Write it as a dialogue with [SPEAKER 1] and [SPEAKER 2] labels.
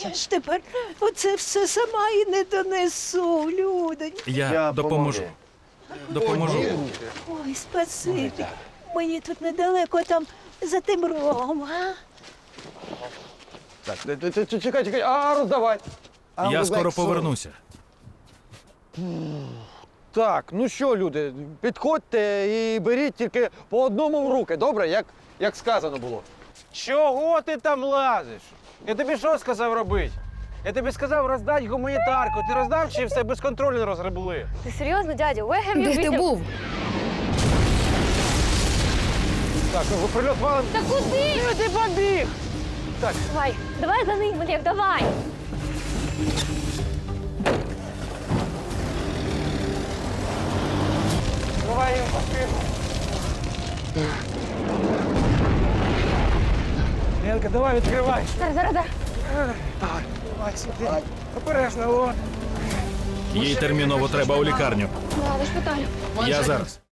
[SPEAKER 1] Я ж тепер оце все сама і не донесу, людоньки.
[SPEAKER 2] Я допоможу. Допоможу.
[SPEAKER 1] Ой, спасибі. Мені тут недалеко, там за тим рогом, а?
[SPEAKER 3] Так, чекай, а роздавай.
[SPEAKER 2] Я скоро повернуся.
[SPEAKER 3] Так, ну що, люди, підходьте і беріть тільки по одному в руки, добре? Як сказано було. Чого ти там лазиш? Я тобі що сказав робити? Я тобі сказав роздати гуманітарку. Ти роздав чи все безконтрольно розгребли?
[SPEAKER 4] Ти серйозно, дядю? Where have you
[SPEAKER 5] Де ти
[SPEAKER 4] been?
[SPEAKER 5] був?
[SPEAKER 3] Так, ну прильот валим.
[SPEAKER 4] Та куди?
[SPEAKER 3] Ти побіг! Так,
[SPEAKER 4] Давай за ним, Олег, давай.
[SPEAKER 3] давай їм поспів. Ленка, давай, відкривай.
[SPEAKER 4] Зараз.
[SPEAKER 3] Давай, сюди. Обережно, о.
[SPEAKER 2] Їй терміново треба у лікарню.
[SPEAKER 4] Ладно, шпиталю.
[SPEAKER 2] Я зараз.